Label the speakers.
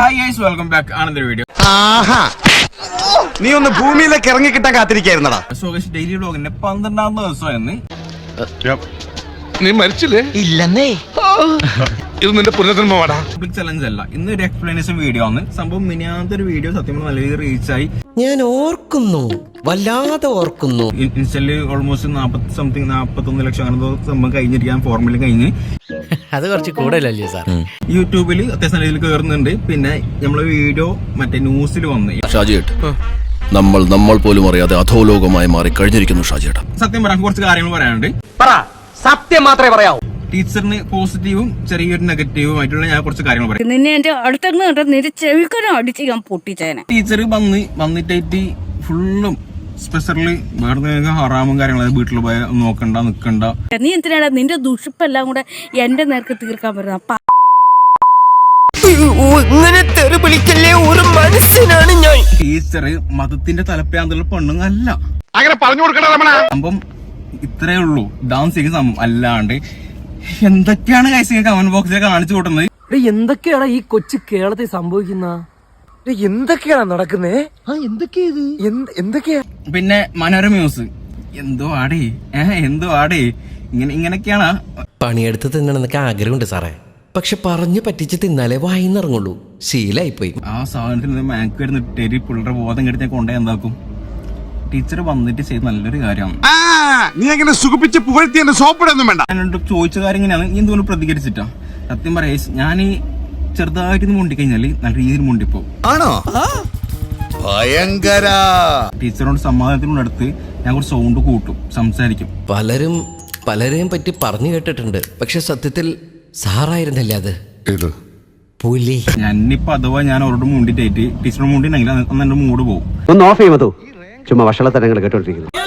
Speaker 1: Hi guys, welcome back. Ananda video.
Speaker 2: നീ ഒന്ന് ഭൂമിയിലേക്ക് ഇറങ്ങി കിട്ടാൻ കാത്തിരിക്കായിരുന്നടാ.
Speaker 1: ഡെയിലി വ്ലോഗിന്റെ 12ാമത്തെ ദിവസമായിരുന്നു.
Speaker 3: നീ മരിച്ചില്ലേ?
Speaker 4: ഇല്ലെന്നേ.
Speaker 3: ഇത് നിന്റെ പുനർജന്മമാടാ.
Speaker 1: പബ്ലിക് ചലഞ്ച് അല്ല, ഇന്ന് ഒരു എക്സ്പ്ലനേഷൻ വീഡിയോ ആണ്. സംഭവം മിനിയാത്തൊരു വീഡിയോ സത്യം നല്ല രീതിയിൽ റീച്ചായി.
Speaker 4: ഞാൻ ഓർക്കുന്നു, വല്ലാതെ ഓർക്കുന്നു.
Speaker 1: ഇൻസ്റ്റല് ഓൾമോസ്റ്റ് 41 ലക്ഷം അങ്ങനെ സംഭവം കഴിഞ്ഞിരിക്കാൻ ഫോർമുല കഴിഞ്ഞ്.
Speaker 4: അത് കുറച്ച് കൂടുതലല്ലേ സാർ?
Speaker 1: യൂട്യൂബിൽ അത്യാവശ്യം രീതിയിൽ കയറുന്നുണ്ട്. പിന്നെ നമ്മളെ വീഡിയോ മറ്റേ ന്യൂസിൽ വന്ന്
Speaker 5: ഷാജിയേട്ട്, നമ്മൾ പോലും അറിയാതെ അധോലോകമായി മാറി കഴിഞ്ഞിരിക്കുന്നു ഷാജിയേട്ട.
Speaker 1: സത്യം പറയാൻ കുറച്ച് കാര്യങ്ങൾ പറയാനുണ്ട്.
Speaker 4: സത്യം മാത്രമേ പറയാവൂ.
Speaker 1: ടീച്ചറിന് പോസിറ്റീവും ചെറിയൊരു നെഗറ്റീവും ആയിട്ടുള്ള ഞാൻ കുറച്ച് കാര്യങ്ങൾ പറയാം.
Speaker 6: നിന്നെ എന്റെ അടുത്തങ്ങ് കണ്ട നിന്റെ ചെവിക്കനും അടിച്ച് ഞാൻ പൊട്ടിച്ചേനെ.
Speaker 1: ടീച്ചർ വന്നിട്ടായിട്ട് ഫുള്ളും സ്പെഷ്യലി വേറെ ഹറാമും കാര്യങ്ങളും വീട്ടിൽ പോയി നോക്കണ്ട നിക്കണ്ട.
Speaker 6: നീ എന്തിനാണ് നിന്റെ ദുഷിപ്പെല്ലാം കൂടെ എന്റെ നേർക്ക് തീർക്കാൻ പറ്റുന്ന?
Speaker 4: ഇങ്ങനെ തെറിവിളിക്കല്ലേ, ഒരു മനുഷ്യനാണ് ഞാൻ.
Speaker 1: ടീച്ചർ മതത്തിന്റെ തലപ്പാന്തുള്ള പെണ്ണുങ്ങല്ല.
Speaker 3: അങ്ങനെ പറഞ്ഞു കൊടുക്കണ രമണ.
Speaker 1: സംഭവം ഇത്രേ ഉള്ളൂ. ഡാൻസ് ചെയ്യുന്ന സംഭവം അല്ലാണ്ട് എന്തൊക്കെയാണ് കൈസ് കമന്റ് ബോക്സിൽ കാണിച്ചു കൂട്ടുന്നത്.
Speaker 7: എന്തൊക്കെയാണ് ഈ കൊച്ചു കേരളത്തിൽ സംഭവിക്കുന്ന? എന്തൊക്കെയാണ് നടക്കുന്നേ? എന്തൊക്കെയാ?
Speaker 1: പിന്നെ മനോരമ ന്യൂസ് എന്തോ ആടേ ഇങ്ങനെയൊക്കെയാണ്.
Speaker 4: പണിയെടുത്ത് തിന്നണമെന്നൊക്കെ ആഗ്രഹമുണ്ട് സാറേ, പക്ഷെ പറഞ്ഞു പറ്റിച്ച് തിന്നാലേ വായിന്നിറങ്ങുള്ളൂ. ശീലായിപ്പോയി.
Speaker 1: ആ സാധനത്തിന് മാക്ക് വരുന്ന ടെരി പിള്ളേരുടെ ബോധം കെടുത്തി കൊണ്ടേ എന്താക്കും. ടീച്ചർ വന്നിട്ട് ചെയ്ത് നല്ലൊരു കാര്യമാണ്.
Speaker 2: നീ അങ്ങനെ സുഖിപ്പിച്ച് പുകഴ്ത്തി എന്നെ സോപ്പിടൊന്നും വേണ്ട.
Speaker 1: ഞാനോട് ചോദിച്ച കാര്യം ഇങ്ങനെയാണ്. നീ എന്തുകൊണ്ട് പ്രതികരിച്ചിട്ടാ? സത്യം പറയാ, ഞാൻ ചെറുതായിട്ട് മുണ്ടിക്കഴിഞ്ഞാല് നല്ല രീതിയിൽ മുണ്ടിപ്പോ
Speaker 2: ആണോ? ഭയങ്കര.
Speaker 1: ടീച്ചറോട് സമാധാനത്തിനടുത്ത് ഞാൻ കുറച്ച് സൗണ്ട് കൂട്ടും, സംസാരിക്കും.
Speaker 4: പലരെയും പറ്റി പറഞ്ഞു കേട്ടിട്ടുണ്ട്, പക്ഷെ സത്യത്തിൽ സാറായിരുന്നല്ലേ അത്? പുലി.
Speaker 1: ഞാനിപ്പോ അഥവാ ഞാൻ അവരോട് മുണ്ടിട്ടായിട്ട് ടീച്ചറോട് മുണ്ടിണ്ടെങ്കിൽ അന്ന് എന്റെ മൂഡ് പോകും.
Speaker 8: ഒന്ന് ഓഫ് ചെയ്യുമോ? ചുമ്മാ വഷളത്തരങ്ങൾ കേട്ടോണ്ടിരിക്കുന്നു.